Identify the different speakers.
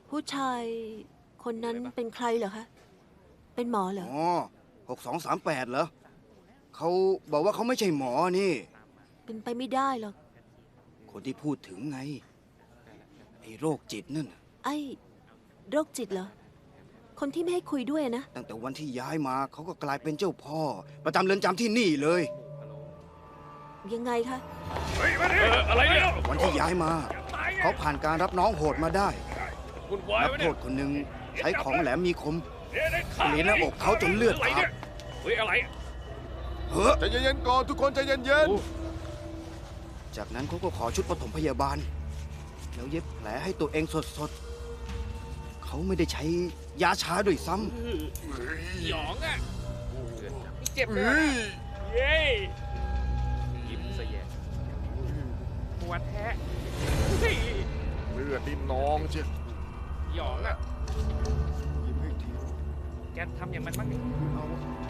Speaker 1: ผู้ชายคนนั้นเป็นใครเหรอคะ เป็นหมอเหรอ
Speaker 2: อ๋อ6238เหรอเขาบอกว่าเขาไม่ใช่หมอนี่
Speaker 1: เป็นไปไม่ได้หรอก
Speaker 2: คนที่พูดถึงไง ไอ้โรคจิตนั่นน่ะ
Speaker 1: ไอ้โรคจิตเหรอ คนที่ไม่ให้คุยด้วยนะ
Speaker 2: ตั้งแต่วันที่ย้ายมาเขาก็กลายเป็นเจ้าพ่อ ประจำเรือนจำที่นี่เลย
Speaker 1: ยังไงคะ
Speaker 3: อะไรเนี่ย
Speaker 2: วันที่ย้ายมา เขาผ่านการรับน้องโหดมาได้
Speaker 3: คุณวาย
Speaker 2: นัก
Speaker 3: ไว้
Speaker 2: โท
Speaker 3: เนี่ย
Speaker 2: ษคนหนึ่งใช้ของแหลมมีคม
Speaker 3: เรียน
Speaker 2: หน้าอกเขาจนเลือดอาบ
Speaker 3: เฮ้ยอะไร
Speaker 2: เฮ้อ
Speaker 4: ใจเย็นๆก่อนทุกคนใจเย็น
Speaker 2: จากนั้นเขาก็ขอชุดปฐมพยาบาล แล้วเย็บแผลให้ตัวเองสดๆ เขาไม่ได้ใช้ยาชาด้วยซ้
Speaker 3: หยองอ่ะเจ็บ
Speaker 4: ๆ
Speaker 3: เลย
Speaker 4: เฮ้ย
Speaker 3: เย้ยิ้มซะแย่หัวแท้เฮ้ย
Speaker 4: เลือดนี่นองเชียว
Speaker 3: หยองอ่ะ
Speaker 4: ยิ้มให้ที
Speaker 3: แกทำอย่างมันบ้างดิ
Speaker 4: เอา